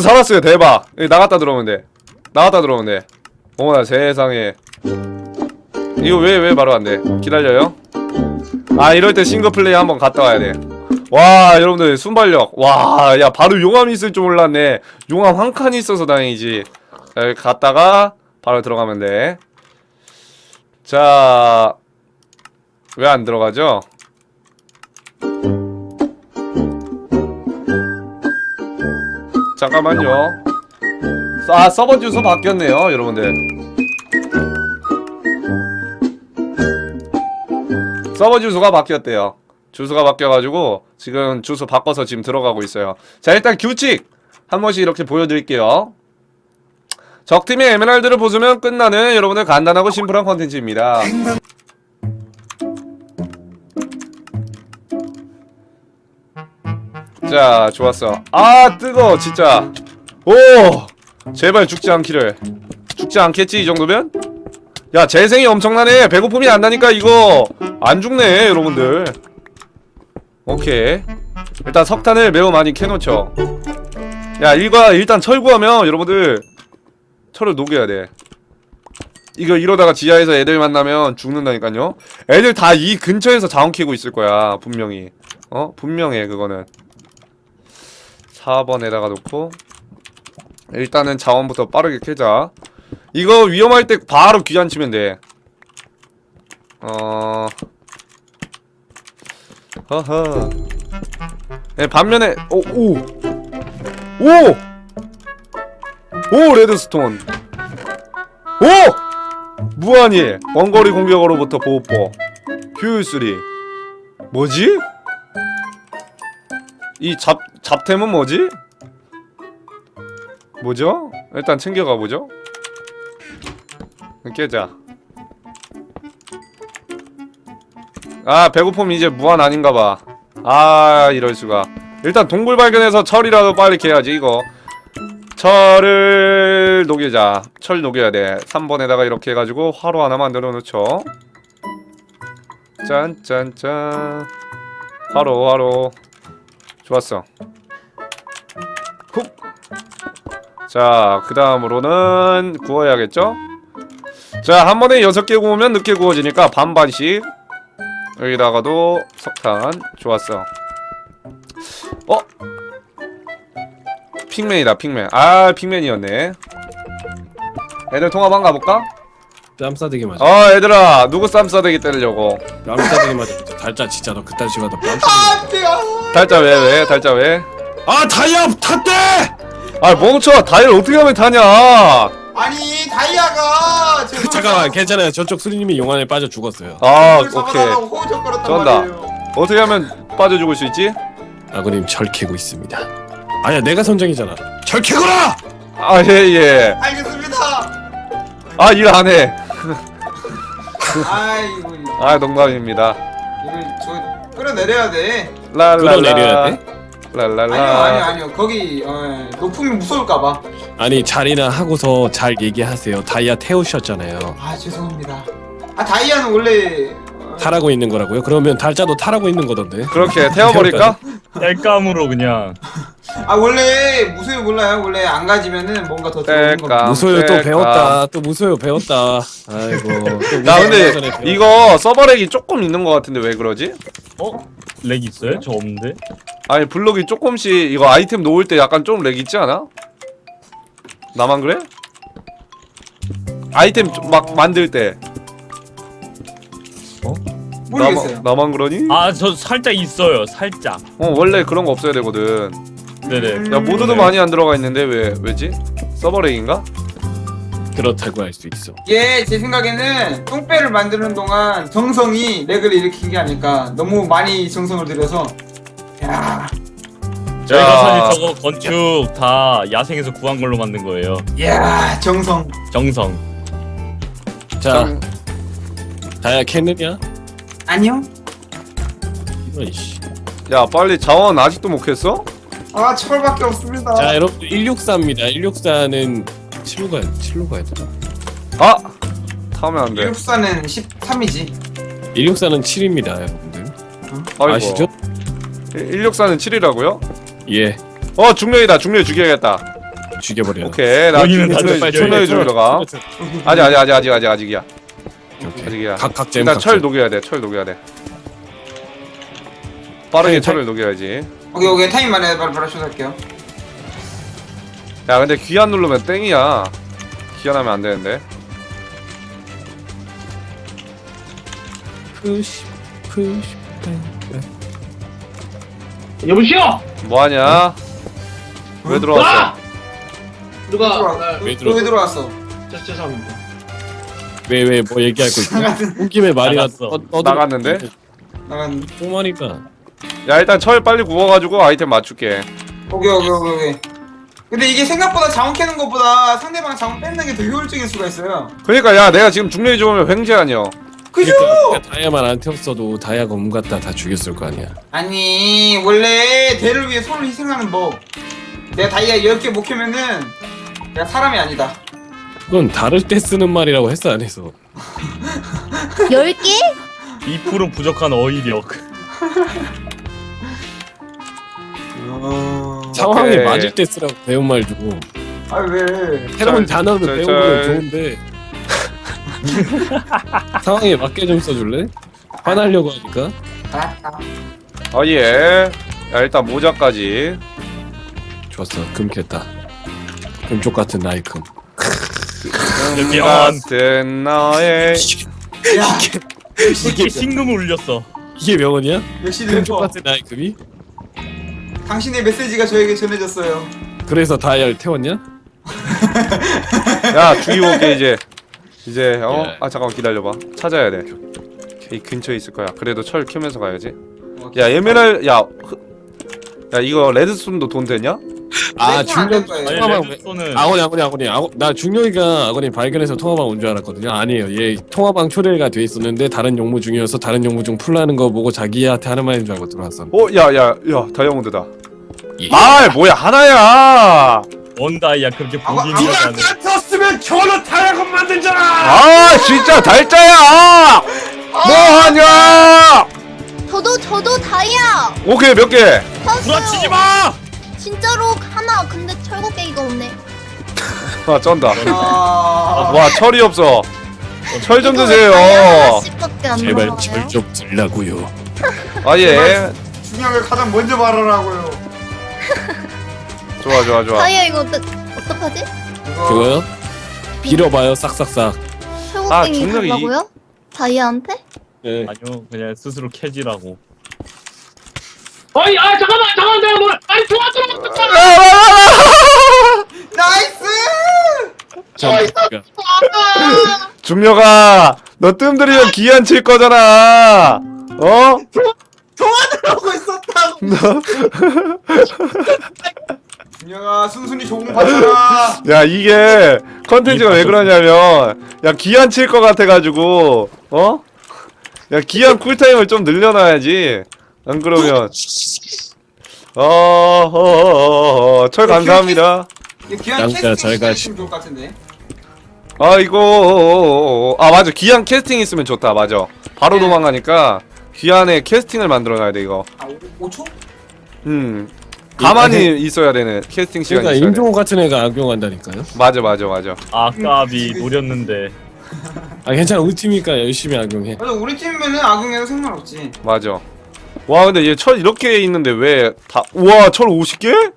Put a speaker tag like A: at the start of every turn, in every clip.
A: 살았어요. 대박. 여기 나갔다 들어오면 돼. 나갔다 들어오면 돼. 어머나 세상에. 이거 왜 바로 안 돼? 기다려요. 아 이럴 때 싱글플레이 한번 갔다 와야 돼. 와 여러분들 순발력. 와 야 바로 용암이 있을 줄 몰랐네. 용암 한 칸이 있어서 다행이지. 자, 여기 갔다가 바로 들어가면 돼. 자 왜 안 들어가죠? 잠깐만요. 아 서버 주소 바뀌었네요 여러분들. 서버 주소가 바뀌었대요. 주소가 바뀌어가지고 지금 주소 바꿔서 지금 들어가고 있어요. 자 일단 규칙 한 번씩 이렇게 보여드릴게요. 적팀의 에메랄드를 부수면 끝나는 여러분들 간단하고 심플한 컨텐츠입니다. 자 좋았어. 아 뜨거워 진짜. 오 제발 죽지 않기를. 죽지 않겠지 이 정도면? 야 재생이 엄청나네. 배고픔이 안 나니까 이거 안 죽네 여러분들. 오케이 일단 석탄을 매우 많이 캐놓죠. 야 이거 일단 철 구하면 여러분들 철을 녹여야 돼. 이거 이러다가 지하에서 애들 만나면 죽는다니까요. 애들 다 이 근처에서 자원 캐고 있을 거야 분명히. 분명해 그거는. 4번에다가 놓고 일단은 자원부터 빠르게 캐자. 이거 위험할 때 바로 귀환 치면 돼. 허허. 네, 반면에 오 레드스톤. 오 무한히 원거리 공격으로부터 보호법 효율3. 뭐지? 이 잡템은 뭐지? 뭐죠? 일단 챙겨가보죠. 깨자. 아 배고픔 이제 무한 아닌가봐. 아 이럴수가. 일단 동굴 발견해서 철이라도 빨리 캐야지 이거. 철을 녹이자. 철 녹여야 돼. 3번에다가 이렇게 해가지고 화로 하나 만들어 놓죠. 짠짠짠. 화로 좋았어. 훅. 자 그 다음으로는 구워야겠죠? 자 한 번에 6개 구우면 늦게 구워지니까 반반씩. 여기다가도 석탄. 좋았어. 핑맨이다 핑맨. 아 핑맨이었네. 애들 통합 한 가볼까?
B: 뺨싸대기 맞아.
A: 얘들아 누구 쌈싸대기 때리려고.
B: 뺨싸대기 맞아. 달짜 진짜 너 그딴 식으로 너 뺨싸대기.
A: 달짜 왜? 달짜 왜?
B: 아 다이아 탔대!
A: 아 멈춰. 다이를 어떻게 하면 타냐.
C: 아니 다이아가
B: 잠깐만 괜찮아요. 저쪽 수리님이 용암에 빠져 죽었어요.
A: 아 오케이.
C: 호적거렸단
A: 쩐다.
C: 말이에요.
A: 어떻게 하면 빠져 죽을 수 있지?
B: 아버님 철 캐고 있습니다. 아야 내가 선정이잖아. 철 캐거라!
A: 아 예예.
C: 알겠습니다.
A: 아 일 안 해.
C: 아이고
A: 아 농담입니다.
C: 이걸 저 끌어내려야 돼.
B: 끌어내려야 돼?
A: 랄랄라.
C: 아니요 거기 높음이 무서울까봐.
B: 아니 자리나 하고서 잘 얘기하세요. 다이아 태우셨잖아요.
C: 아 죄송합니다. 아 다이아는 원래
B: 타라고 있는 거라고요? 그러면 달짜도 타라고 있는 거던데.
A: 그렇게 태워버릴까?
D: 땔감으로 그냥.
C: 아 원래 무소유 몰라요. 원래 안 가지면은 뭔가 더 들어오는 겁니다.
B: 무소요 또
A: 뗄까?
B: 배웠다. 또 무소요 배웠다. 아이고.
A: 야 근데 이거 서버렉이 조금 있는 것 같은데 왜 그러지?
D: 렉 있어요? 저 없는데?
A: 아니 블록이 조금씩 이거 아이템 놓을 때 약간 좀 렉 있지 않아? 나만 그래? 아이템 막 만들 때
C: 모르겠어요.
A: 나만 그러니?
D: 아, 저 살짝 있어요. 살짝.
A: 원래 그런 거 없어야 되거든.
D: 네네.
A: 야 모드도 많이 안 들어가 있는데 왜지? 서버렉인가?
B: 그렇다고 할 수 있어.
C: 예, 제 생각에는 똥배를 만드는 동안 정성이 렉을 일으킨 게 아닐까. 너무 많이 정성을 들여서. 야,
D: 저희가 사실 저거 건축 다 야생에서 구한 걸로 만든 거예요.
C: 야, 정성.
D: 정성.
B: 자, 다이아 캤느냐?
C: 아니요.
B: 이런 씨.
A: 야 빨리 자원 아직도 못 캤어?
C: 아, 철밖에 없습니다.
B: 자, 여러분 164입니다. 164는 7로 가야 되나?
A: 아! 타면 안 돼.
C: 일육사는 13이지.
B: 164는 7입니다, 여러분들.
A: 아이고.
B: 아시죠?
A: 164는 7이라고요?
B: 예.
A: 중력이다. 중력 죽여야겠다.
B: 죽여버려.
A: 오케이 나
D: 여기는 다들
A: 촌노예
D: 빨리
A: 촌노예 죽이러 가. 아직이야. 아직이야.
B: 각각 잼.
A: 일단 철 녹여야 돼. 철 녹여야 돼. 빠르게
B: 아니,
A: 철을 녹여야지.
C: 오케이 타임 만에 바로 쇼할게요.
A: 야 근데 귀환 누르면 땡이야. 귀환하면 안 되는데.
B: 푸시.
E: 여보시오!
A: 뭐하냐? 왜 들어왔어?
E: 누가
B: 왜
C: 왜 들어왔어?
E: 죄송합니다.
B: 왜 뭐 얘기할 거 있냐? 온 김에 말이나
D: 나갔어.
A: 나갔는데?
C: 나간.
B: 똥하니까.
A: 야 일단 철 빨리 구워가지고 아이템 맞출게.
C: 오케이. 근데 이게 생각보다 자원 캐는 것보다 상대방 자원 뺏는 게 더 효율적일 수가 있어요.
A: 그러니까 야 내가 지금 중력이 좋으면 횡재 아니여.
C: 그죠?
B: 그러니까 다이아만 안 태웠어도 다이아가 온 갖다 다 죽였을 거 아니야.
C: 아니 원래 대를 위해 손을 희생하는 법. 내가 다이아 10개 못 캐면은 내가 사람이 아니다.
B: 그건 다를 때 쓰는 말이라고 했어 안 했어?
F: 10개?
D: 2% 부족한 어휘력.
B: 상황에
A: 오케이.
B: 맞을 때 쓰라고 배운 말 주고
C: 아 왜?
B: 새로운
A: 짤,
B: 단어를
A: 짤,
B: 배우면
A: 짤.
B: 좋은데 상황에 맞게 좀 써줄래? 화나려고 하니까.
C: 알았다.
A: 예. 야 일단 모자까지.
B: 좋았어. 금 캤다. 금쪽 같은 나의 금.
A: 금 같은 나의.
C: 야
D: 이게 신금을 울렸어.
B: 이게 명언이야?
C: 역시
B: 금쪽
C: 래퍼.
B: 같은 나의 금이?
C: 당신의 메시지가 저에게 전해졌어요.
B: 그래서 다이아를 태웠냐?
A: 야 죽이고 올게 이제. 이제
B: 예.
A: 아 잠깐만 기다려봐. 찾아야 돼. 이 근처에 있을 거야. 그래도 철 캐면서 가야지. 야 야 이거 레드스톤도 돈 되냐?
B: 아
C: 안
B: 중력
C: 될 거예요.
D: 아니
B: 통화방
D: 레드스톤은
B: 아버님 나 중력이가 아버님 발견해서 통화방 온 줄 알았거든요. 아니에요. 얘 통화방 초대가 돼 있었는데 다른 용무 중이어서 다른 용무 중 풀라는 거 보고 자기한테 하는 말인 줄 알고 들어왔어.
A: 야야야 다이아몬드다.
B: 예.
A: 아 뭐야 하나야.
D: 원다이야 그렇게
C: 아,
D: 보기
C: 아,
D: 힘들다는.
B: 떴으면 저는 다이아건 만들잖아.
A: 아 진짜 달짜야. 뭐하냐?
F: 저도 다이아
A: 오케이 몇 개?
D: 부라치지
F: 샀어요.
D: 마.
F: 진짜로 하나. 근데 철곡깨기가 없네.
A: 아 쩐다.
C: 아,
A: 와 철이 없어. 철 좀
F: 이거
A: 드세요.
F: 다이아 하나씩밖에 안
B: 제발
F: 나와요.
B: 절 좀 들라고요.
A: 아 예.
C: 중요한 걸 가장 먼저 말하라고요.
A: 좋아.
F: 다이아 이거 어떡하지?
B: 그거요? 빌어봐요 싹싹싹.
F: 철곡깨기
A: 중력이
F: 달라고요? 다이아한테?
B: 네.
D: 아니요 그냥 스스로 캐지라고.
E: 어이, 잠깐만, 내가 뭘, 아니, 도와줘!
C: 나이스!
A: 중녀가 너 뜸들이면 기한 칠 거잖아. 어?
C: 도와주려고 했었다고. 준영아 순순히 조공 받쳐라.
A: 야 이게 컨텐츠가 왜 그러냐면 야 기한 칠 거 같아가지고 어? 야 기한 쿨타임을 좀 늘려놔야지. 안 그러면 철 감사합니다.
C: 이거 귀한
B: 양자
C: 캐스팅
B: 잘
C: 시간
B: 가시.
C: 있으면 좋을 것 같은데.
A: 아 이거 맞아 기한 캐스팅 있으면 좋다. 맞아 바로
C: 네.
A: 도망가니까 기한에 캐스팅을 만들어놔야 돼 이거.
C: 아 5초?
A: 가만히 있어야 되는 캐스팅 시간이
B: 그러니까
A: 있어야 돼.
B: 임종호 같은 애가 악용한다니까요.
A: 맞아.
D: 아까비 노렸는데.
B: 아 괜찮아 우리 팀이니까 열심히 악용해.
C: 맞아 우리 팀이면은 악용해도 상관없지.
A: 맞아. 와 근데 얘 철 이렇게 있는데 왜 다 우와 철 50개?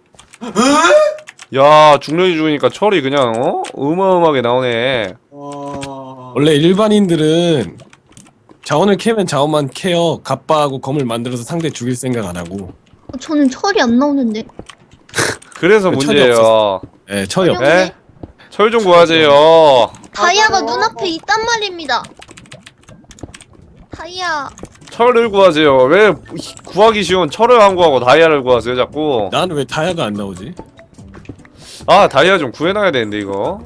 A: 야 중력이 죽으니까 철이 그냥 어마어마하게 나오네.
C: 와.
B: 원래 일반인들은 자원을 캐면 자원만 캐어 갑바하고 검을 만들어서 상대 죽일 생각 안 하고.
F: 저는 철이 안 나오는데.
A: 그래서
B: 왜 철이
A: 문제예요.
B: 예, 철이 없.
A: 에? 철 좀 구하세요.
F: 다이아가 눈앞에 있단 말입니다. 다이아.
A: 철을 구하세요. 왜 구하기 쉬운 철을 안 구하고 다이아를 구하세요 자꾸.
B: 나는 왜 다이아가 안 나오지?
A: 아 다이아 좀 구해놔야 되는데 이거.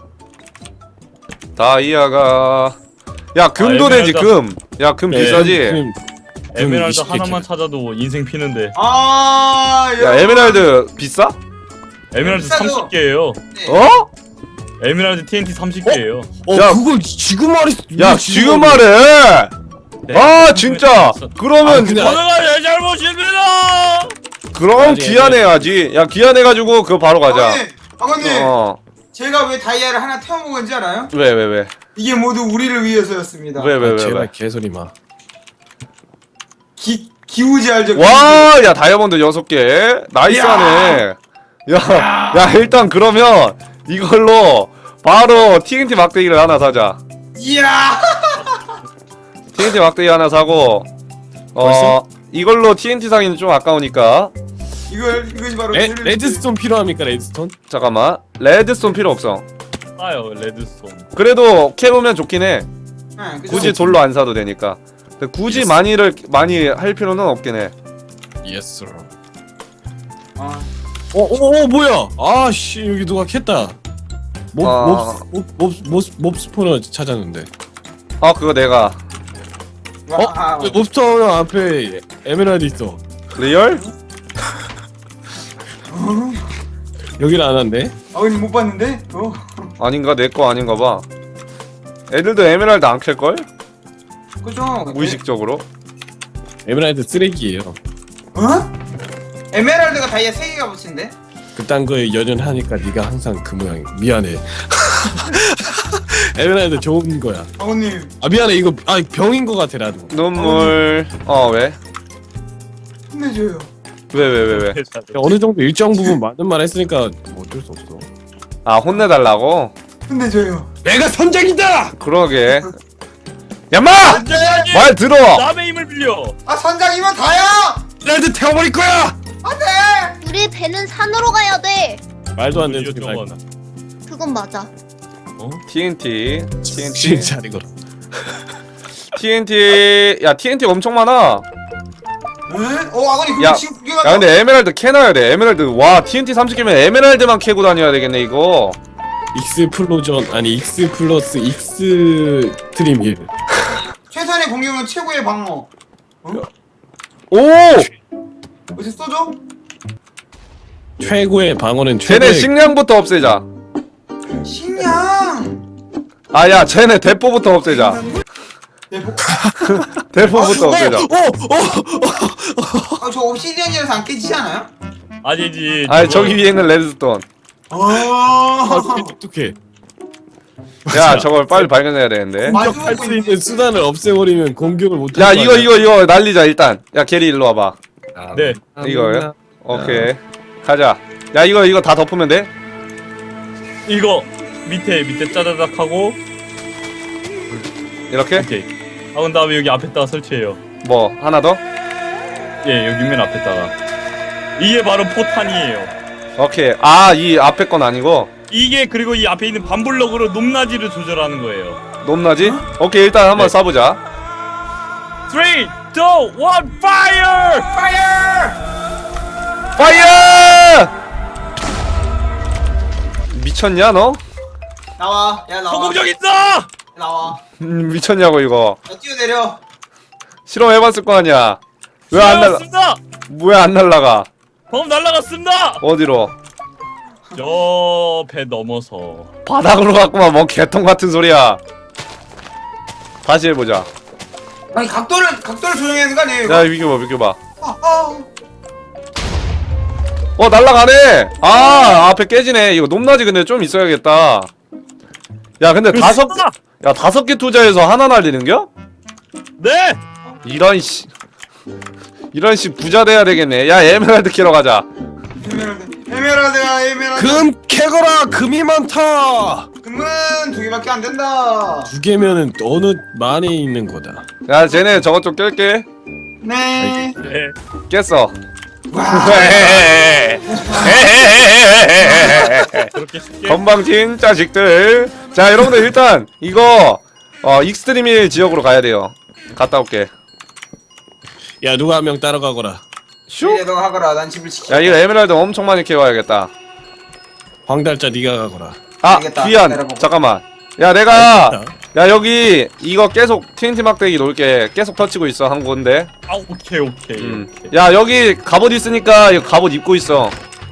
A: 다이아가 야 금도 되지
D: 에메랄드.
A: 금. 야 금 비싸지.
D: 에메랄드
B: 20개
D: 하나만
B: 캐.
D: 찾아도 인생 피는데.
C: 아.
A: 야 에메랄드 비싸?
D: 에메랄드
C: 비싸죠?
D: 30개예요.
A: 어?
D: 에메랄드 TNT 30개예요.
A: 야,
B: 그걸 지금 말했어.
A: 야 지금 말해.
D: 네.
A: 아 진짜. 그러면
B: 아, 근데
D: 오늘가 내 잘못입니다.
A: 그럼
B: 아니,
A: 기한해야지. 야 기한해가지고 그거 바로 가자.
C: 아버님
A: 어.
C: 제가 왜 다이아를 하나 태워먹은지 알아요?
A: 왜?
C: 이게 모두 우리를 위해서였습니다.
A: 왜?
B: 제발 개소리 마.
C: 기우지 알죠?
A: 와, 야 다이아몬드 6개. 나이스하네. 야, 일단 그러면 이걸로 바로 TNT 막대기를 하나 사자.
C: 이야.
A: TNT 막대기 하나 사고
B: 벌써?
A: 이걸로 TNT 사기는 좀 아까우니까
C: 이것이 바로
B: 레드스톤 필요합니까 레드스톤?
A: 잠깐만. 레드스톤 필요 없어.
D: 싸요 레드스톤.
A: 그래도 캐보면 좋긴 해.
C: 네, 그죠?
A: 굳이 돌로 안 사도 되니까. 근데 굳이 많이 할 필요는 없긴 해.
B: 예스.
C: 아,
B: 뭐야? 아씨 여기 누가 캤다. 몹 스포너 찾았는데.
A: 그거 내가.
C: 와,
B: 몹 스포너 앞에 에메랄드 있어.
A: 리얼?
B: 여기를 안 왔네.
C: 아버님 못 봤는데?
A: 아닌가? 내 거 아닌가 봐. 애들도 에메랄드 안 캘걸?
C: 그죠?
A: 무의식적으로.
B: 에메랄드 쓰레기예요.
C: 어? 에메랄드가 다이아 3개가 붙인데?
B: 그딴 거에 연연하니까 네가 항상 그 모양이. 미안해. 에메랄드 좋은 거야.
C: 아버님
B: 미안해 이거 병인 거 같아 나도.
A: 눈물. 왜?
C: 혼내줘요.
A: 왜?
B: 어느 정도 일정 부분 맞는 말 했으니까 뭐 어쩔 수 없어.
A: 혼내달라고?
C: 혼내줘요.
B: 내가 선장이다.
A: 그러게. 야마!
D: 선장님
A: 말 들어!
D: 남의 힘을 빌려.
C: 아 선장이면 다야!
B: 레드 태워버릴 거야.
C: 안돼!
F: 우리 배는 산으로 가야 돼.
B: 말도 안 되는 소리
D: 저건.
B: 말고.
F: 그건 맞아.
A: TNT.
B: 진짜 이거.
A: TNT. 야, TNT 엄청 많아.
C: 응? 아버님 그거
A: 야,
C: 지금 구경하자.
A: 야, 근데 에메랄드 캐놔야 돼. 에메랄드. 와, TNT 30개면 에메랄드만 캐고 다녀야 되겠네, 이거.
B: 익스 플로전 아니 익스 플러스 익스 트림 힐.
C: 최선의 공격은 최고의 방어.
A: 오!
C: 어디 써줘?
B: 최고의 방어는
A: 쟤네
B: 최고의
A: 식량부터 없애자.
C: 식량!
A: 야, 쟤네 대포부터 없애자.
C: 네,
A: 대포부터 없애자.
C: 저 옵시디언이라서 안 깨지지 않아요?
D: 아니지.
A: 저기 위에 있는 레드스톤.
B: 어떻게
A: 야, 저걸 빨리 발견해야 되는데.
B: 공격할 수 있는 수단을 없애버리면 공격을 못.
A: 야, 이거 날리자, 일단. 야, 게리 일로 와봐.
D: 네.
A: 이거요? 오케이. 가자. 야, 이거 다 덮으면 돼?
D: 이거 밑에 짜자작 하고
A: 이렇게?
D: 오케이. 그 다음에 여기 앞에다가 설치해요.
A: 뭐, 하나 더?
D: 예, 여기 맨 앞에다가. 이게 바로 포탄이에요.
A: 오케이. 이 앞에 건 아니고.
D: 이게 그리고 이 앞에 있는 반블럭으로 높낮이를 조절하는 거예요.
A: 높낮이? 오케이, 일단 한번
D: 네.
A: 쏴보자.
D: 3, 2, 1, fire!
A: 파이어! 미쳤냐, 너?
C: 나와. 야 나와.
D: 성공적 있어!
C: 나와.
A: 미쳤냐고, 이거.
C: 야 뛰어내려.
A: 실험해봤을 거 아니야. 왜 안 날라,
D: 날라갔습니다!
A: 왜 안 날라가?
D: 방금 날라갔습니다!
A: 어디로?
D: 저 배 넘어서.
A: 바닥으로 갔구만. 뭔 개통 같은 소리야. 다시 해보자.
C: 아니 각도를 조정해야 되는 거 아니에요? 이거?
A: 야, 비켜봐.
C: 아.
A: 날라가네! 앞에 깨지네. 이거 높낮이 근데 좀 있어야겠다. 야, 근데
D: 그렇습니다!
A: 5개 투자해서 하나 날리는겨?
D: 네!
A: 이런 씨 부자 돼야 되겠네. 야, 에메랄드 캐러 가자.
C: 에메랄드야.
B: 금 캐거라. 금이 많다.
C: 금은 2개밖에 안 된다.
B: 2개면은 어느 만에 있는 거다.
A: 야, 쟤네 저것 좀 깰게.
C: 네.
D: 네.
A: 깼어.
C: 와.
D: 그렇게 쉽게.
A: 건방진 자식들. 자, 여러분들 일단 이거 익스트림일 지역으로 가야 돼요. 갔다 올게.
B: 야 누가 한 명 따라가거라.
A: 슉.
C: 이제 너가 하거라. 난 집을 지켜.
A: 야, 이거 에메랄드 엄청 많이 캐와야겠다.
B: 황달자 네가 가거라.
C: 알겠다.
A: 귀한.
C: 내려보고.
A: 잠깐만. 야, 내가 여기 이거 계속 TNT 막대기 놓을게. 계속 터치고 있어 한 군데.
D: 오케이.
A: 야, 여기 갑옷 있으니까 이거 갑옷 입고 있어.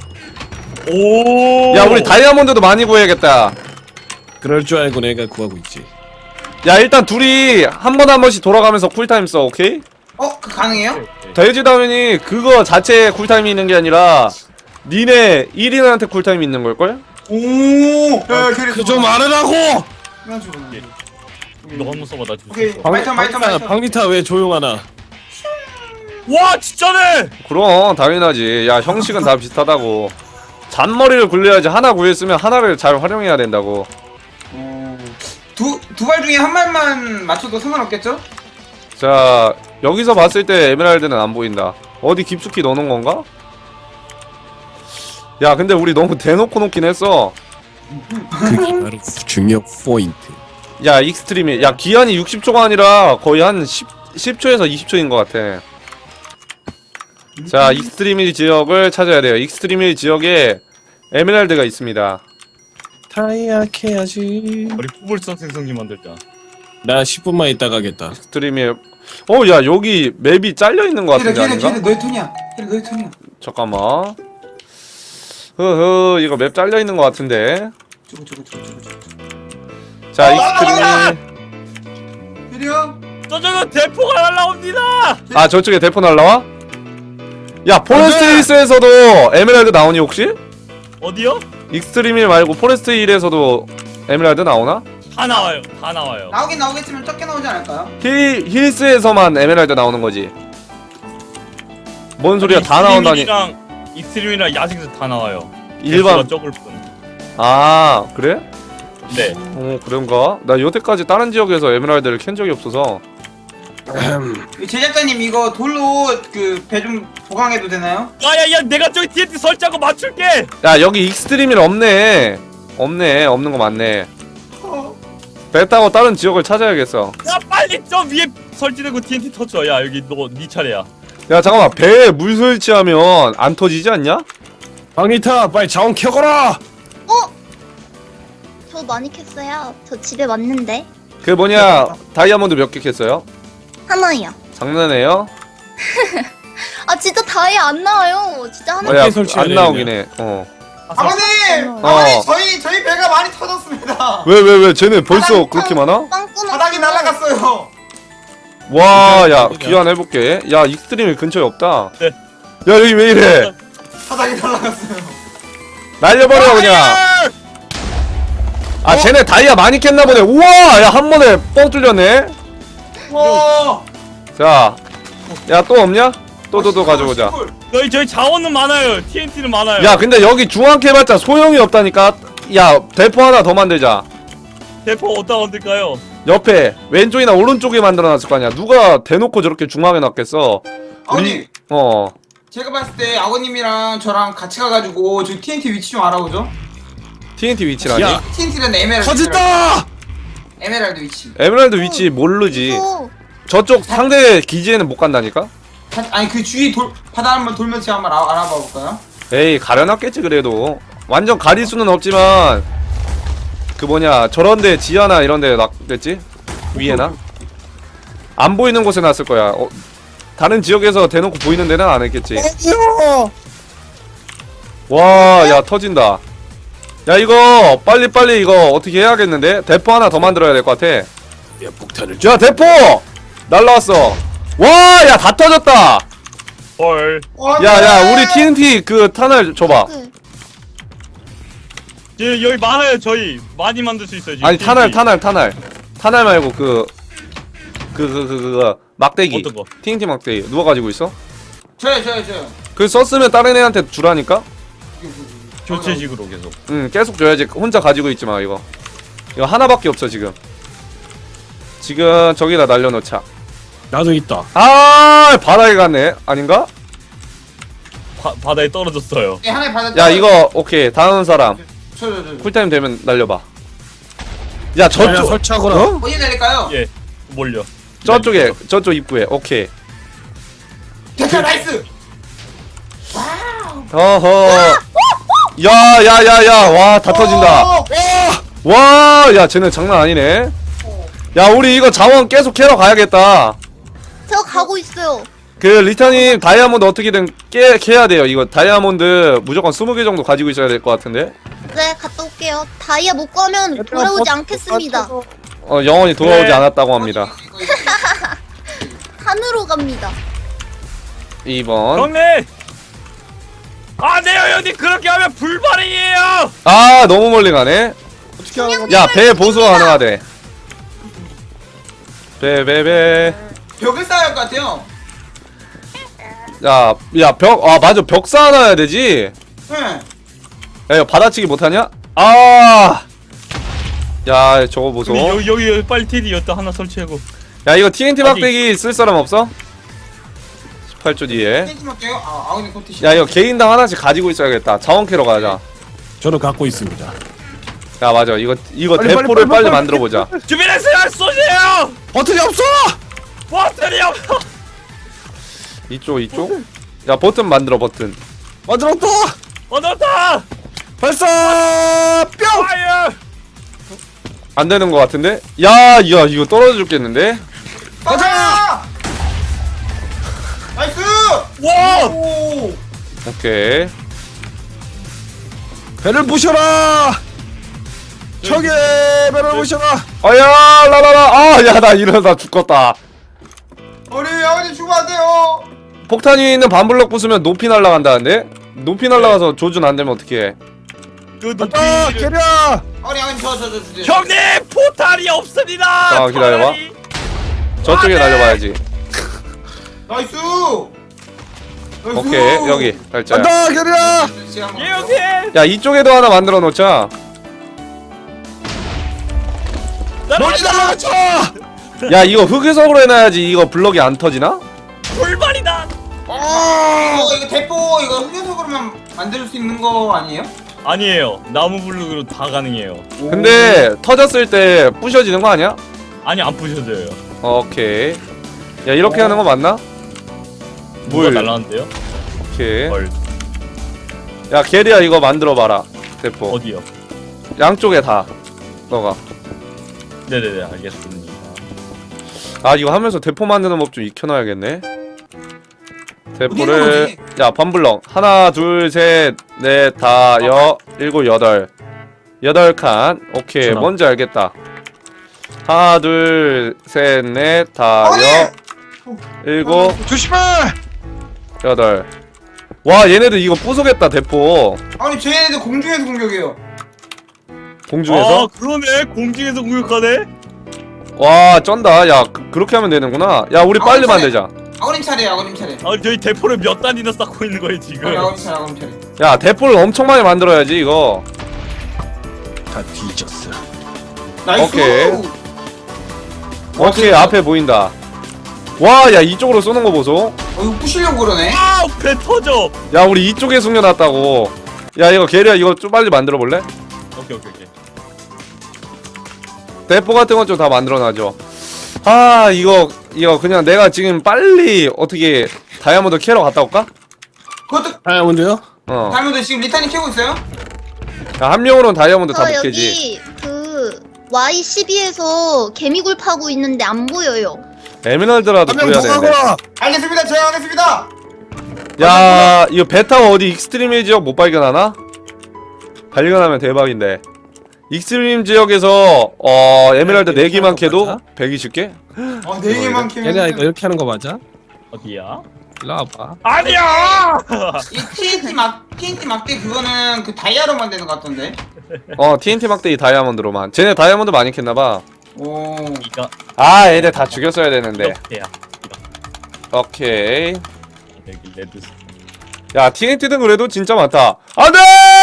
D: 오!
A: 야, 우리 다이아몬드도 많이 구해야겠다.
B: 그럴 줄 알고 내가 구하고 있지.
A: 야, 일단 둘이 한 번씩 돌아가면서 쿨타임 써. 오케이?
C: 그 가능해요?
D: 오케이.
A: 돼지다운이 그거 자체에 쿨타임이 있는 게 아니라 니네 1인한테 쿨타임이 있는 걸걸?
C: 오. 야 캐리.
B: 그 좀 말하라고.
C: 예.
D: 너 한번 써봐 나.
C: 오케이. 마이턴.
B: 방리타 왜 조용하나?
D: 와 진짜네.
A: 그럼 당연하지. 야 형식은 다 비슷하다고. 잔머리를 굴려야지. 하나 구했으면 하나를 잘 활용해야 된다고.
C: 두 발 중에 한 발만 맞춰도 상관없겠죠?
A: 자 여기서 봤을 때 에메랄드는 안 보인다. 어디 깊숙이 넣어놓은 건가? 야 근데 우리 너무 대놓고 놓긴 했어.
B: 그게 바로 중요 포인트.
A: 야 익스트림이 야 기한이 60초가 아니라 거의 한 10초에서 20초인 것 같아. 자 익스트림일 지역을 찾아야 돼요. 익스트림일 지역에 에메랄드가 있습니다.
B: 다이아 캐야지.
D: 우리 푸불성 생성기 만들자.
B: 나 10분만 있다 가겠다.
A: 익스트림일 야 여기 맵이 잘려있는 것 같은데 아닌가?
C: 캐리 너의 턴이야. 캐리 너의 턴이야.
A: 잠깐만. 이거 맵 잘려있는 것 같은데.
C: 저거.
A: 자 익스트림일
C: 캐리야.
D: 저쪽은 대포가 날라옵니다.
A: 아 저쪽에 대포 날라와? 야 포레스트 힐스에서도 에메랄드 나오니 혹시?
D: 어디요?
A: 익스트림일 말고 포레스트 힐에서도 에메랄드 나오나?
D: 다 나와요. 다 나와요.
C: 나오겠지만 적게 나오지 않을까요?
A: 힐스에서만 에메랄드 나오는 거지. 뭔 소리야 다 나온다니.
D: 익스트림이랑 야생에서 다 나와요.
A: 일반
D: 개수가 적을 뿐.
A: 아 그래?
D: 네.
A: 그런가? 나 여태까지 다른 지역에서 에메랄드를 캔 적이 없어서.
C: 제작자님 이거 돌로 그 배 좀 보강해도 되나요?
D: 야야야 내가 저기 TNT 설치하고 맞출게.
A: 야 여기 익스트림일 없네. 없는 거 맞네. 배 타고 다른 지역을 찾아야겠어.
D: 야 빨리 저 위에 설치되고 TNT 터쳐. 야 여기 너 네 차례야.
A: 야 잠깐만 배에 물 설치하면 안 터지지 않냐?
B: 방리타 빨리 자원 켜거라.
F: 저 많이 캤어요. 저 집에 왔는데.
A: 그 뭐냐 다이아몬드 몇 개 캤어요?
F: 하나요.
A: 장난해요?
F: 아 진짜 다이 안 나와요. 진짜 하나.
A: 야,
B: 설치해야
A: 안 나오긴 해.
C: 아버님!
A: 어.
C: 저희 배가 많이 터졌습니다.
A: 왜 쟤네 벌써
F: 바닥이
A: 그렇게
F: 참
A: 많아?
F: 빵꾸나.
C: 바닥이 날아갔어요.
A: 와, 야 귀환 해볼게. 야 익스트림일 근처에 없다.
D: 네.
A: 야 여기 왜 이래?
C: 바닥이 날아갔어요.
A: 날려버려 그냥. 아 쟤네 다이아 많이 캤나 보네. 우와, 야 한 번에 뻥 뚫렸네.
C: 와.
A: 자, 야 또 없냐? 또 가져오자.
D: 저희 자원은 많아요. TNT는 많아요.
A: 야 근데 여기 중앙 캐봤자 소용이 없다니까. 야 대포 하나 더 만들자.
D: 대포 어디다 만들까요?
A: 옆에 왼쪽이나 오른쪽에 만들어놨을 거 아니야. 누가 대놓고 저렇게 중앙에 놨겠어.
C: 아버님,
A: 어.
C: 제가 봤을 때 아버님이랑 저랑 같이 가가지고 저 TNT 위치 좀 알아보죠.
A: TNT 위치라니?
B: 야.
C: TNT는 에메랄드.
B: 터진다.
C: 에메랄드 위치.
A: 에메랄드 위치 모르지. 저쪽 상대 기지에는 못 간다니까?
C: 아니 그 주위 바다 한번 돌면서 한번 알아봐 볼까요?
A: 에이 가려놨겠지 그래도. 완전 가릴 수는 없지만 그 뭐냐 저런데 지하나 이런데 놨겠지? 위에나? 안 보이는 곳에 놨을 거야. 다른 지역에서 대놓고 보이는 데는 안 했겠지. 와, 야 터진다. 야 이거 빨리 이거 어떻게 해야겠는데? 대포 하나 더 만들어야 될 것 같아.
B: 야 폭탄을
A: 야 대포! 날라왔어. 와, 야 다 터졌다.
D: 헐.
A: 야 우리 TNT 그 탄을 줘봐.
D: 여기 많아요. 저희 많이 만들 수 있어요. 지금
A: 아니
D: TNT.
A: 탄알 말고 그 막대기.
D: 어떤 거?
A: TNT 막대기 누가 가지고 있어?
C: 저요.
A: 그 썼으면 다른 애한테 주라니까.
D: 교체식으로 계속.
A: 응 계속 줘야지. 혼자 가지고 있지 마 이거. 이거 하나밖에 없어 지금. 지금 저기다 날려놓자.
B: 나도 있다.
A: 아 바다에 갔네. 아닌가?
D: 바다에 떨어졌어요.
C: 네, 하나의 바다.
A: 야 이거 오케이 다음 사람
C: 저.
A: 쿨타임 되면 날려봐. 야 저쪽
B: 설치하거라.
A: 어?
C: 어디 내릴까요?
D: 예. 몰려.
A: 저쪽에 저쪽 입구에 오케이.
C: 됐다 나이스.
A: 어허. 야야야야 와 다 터진다. 와 야 쟤네 장난 아니네. 야 우리 이거 자원 계속 캐러 가야겠다.
F: 저 가고 있어요.
A: 그 리타님 다이아몬드 어떻게든 캐야 돼요. 이거 다이아몬드 무조건 20개 정도 가지고 있어야 될 것 같은데.
F: 네, 갔다 올게요. 다이아 못 구하면 돌아오지 않겠습니다.
A: 영원히 돌아오지
D: 네.
A: 않았다고 합니다.
F: 산으로 갑니다.
A: 2번.
D: 경례. 아 내요 형님 그렇게 하면 불발이에요.
A: 아 너무 멀리 가네.
B: 어떻게 하는 거지?
A: 야 배 보수가 가능하대. 배.
C: 벽을 쌓아야 할 것 같아요.
A: 야 벽. 아 맞아 벽 쌓아놔야 되지.
C: 네.
A: 야 이거 받아치기 못하냐? 아. 야 저거 보소.
D: 근데 여기 빨리 테디 여기다 하나 설치하고.
A: 야 이거 TNT 막대기 쓸 사람 없어? 18초 뒤에.
C: 땡기 할게요. 아우니 코트.
A: 야 이거 개인당 하나씩 가지고 있어야겠다. 자원 캐러 가자.
B: 저는 갖고 있습니다.
A: 야 맞아 이거
B: 빨리,
A: 대포를
B: 빨리,
A: 빨리
B: 빨리.
A: 만들어 보자.
D: 준비됐어요. 쏘세요.
B: 버튼이 없어!
D: 버튼이 없어.
A: 이쪽. 야 버튼 만들어 버튼.
B: 만들었다!
D: 얻었다.
B: 발사! 뿅!
D: 파이어.
A: 안 되는 거 같은데? 야 이거 떨어져 죽겠는데?
C: 가자. 나이스.
D: 와.
C: 오.
A: 오케이.
B: 배를 부셔라! 적의 배를 부셔라!
A: 아야 라라라. 아야 나 이러다 죽겠다.
C: 우리 아버지 죽으면 안 돼요.
A: 폭탄 위에 있는 반블럭 부수면 높이 날아간다는데? 높이 날아가서 조준 안 되면 어떡해?
D: 그
B: 간다!
D: 높이.
B: 캐리야!
C: 우리 아버지 저 주세요.
D: 형님 포탈이 없습니다.
A: 자, 기다려봐.
D: 포탈이.
A: 저쪽에
D: 아, 네.
A: 날려봐야지.
C: 나이스.
A: 오케이 여기 날짜야.
B: 간다! 캐리야!
D: 예 형님.
A: 야 이쪽에도 하나 만들어 놓자.
B: 멀리 날아갔죠!
A: 야 이거 흑유석으로 해놔야지 이거 블럭이 안 터지나?
D: 불발이다.
C: 이거 대포 이거 흑연석으로만 만들 수 있는 거 아니에요?
D: 아니에요. 나무 블록으로 다 가능해요.
A: 근데 터졌을 때 부셔지는 거 아니야?
D: 아니 안 부셔져요.
A: 오케이. 야 이렇게 하는 거 맞나?
D: 뭐가
A: 물.
D: 날라왔는데요?
A: 오케이.
D: 헐.
A: 야 게리야 이거 만들어 봐라. 대포.
D: 어디요?
A: 양쪽에 다. 너가.
D: 네네네 알겠습니다.
A: 아 이거 하면서 대포 만드는 법 좀 익혀놔야겠네.
C: 어디 있는
A: 대포를 야 반블럭 하나 둘셋넷 다 일곱 여덟 8칸. 오케이
D: 전화.
A: 뭔지 알겠다. 하나 둘셋넷 다 일곱
B: 조심해!
A: 여덟. 와 얘네들 이거 부수겠다 대포.
C: 아니 쟤네들 공중에서 공격해요.
A: 공중에서.
D: 아 그러네. 공중에서 공격하네.
A: 와 쩐다. 야 그렇게 하면 되는구나. 야 우리 빨리 만들자.
C: 아버님 차례야 아버님 차례.
D: 아 저희 대포를 몇 단이나 쌓고 있는 거예요 지금.
C: 아버님 차례 아버님 차례.
A: 야 대포를 엄청 많이 만들어야지 이거.
B: 다 뒤졌어.
C: 나이스.
A: 오케이. 오케이 앞에 보인다. 와 야 이쪽으로 쏘는 거 보소.
C: 이거 부시려고 그러네.
D: 배 터져.
A: 야 우리 이쪽에 숨겨놨다고. 야 이거 게리야 이거 좀 빨리 만들어 볼래?
D: 오케이.
A: 대포 같은 건 좀 다 만들어놔줘. 아 이거 그냥 내가 지금 빨리 어떻게 다이아몬드 캐러 갔다 올까?
C: 그것도
B: 다이아몬드요?
C: 다이아몬드 지금 리탄이 캐고 있어요?
A: 야, 한 명으로는 다이아몬드 다
F: 저
A: 못 캐지.
F: 여기 그 Y12에서 개미굴 파고 있는데 안 보여요.
A: 에메랄드라도
B: 한 명
A: 구해야
B: 더
A: 되는데.
B: 가거라!
C: 알겠습니다. 제가 하겠습니다.
A: 야 이거 베타가 어디 익스트림 지역 못 발견하나? 발견하면 대박인데. 익스트림 지역에서 에메랄드 4개만 캐도 120개?
C: 네 개만 캐면.
B: 캐리야 이거 이렇게 하는 거 맞아?
D: 어디야?
B: 일로 와봐.
D: 아니야.
C: 이 TNT 막대 그거는 그 다이아로 만드는 것 같던데.
A: TNT 막대기 다이아몬드로만. 쟤네 다이아몬드 많이 캤나봐.
C: 오.
D: 이거
A: 아 얘네 다 죽였어야 되는데.
D: 이렇게야.
A: 오케이.
D: 여기 레드.
A: 야 TNT는 그래도 진짜 많다. 안돼!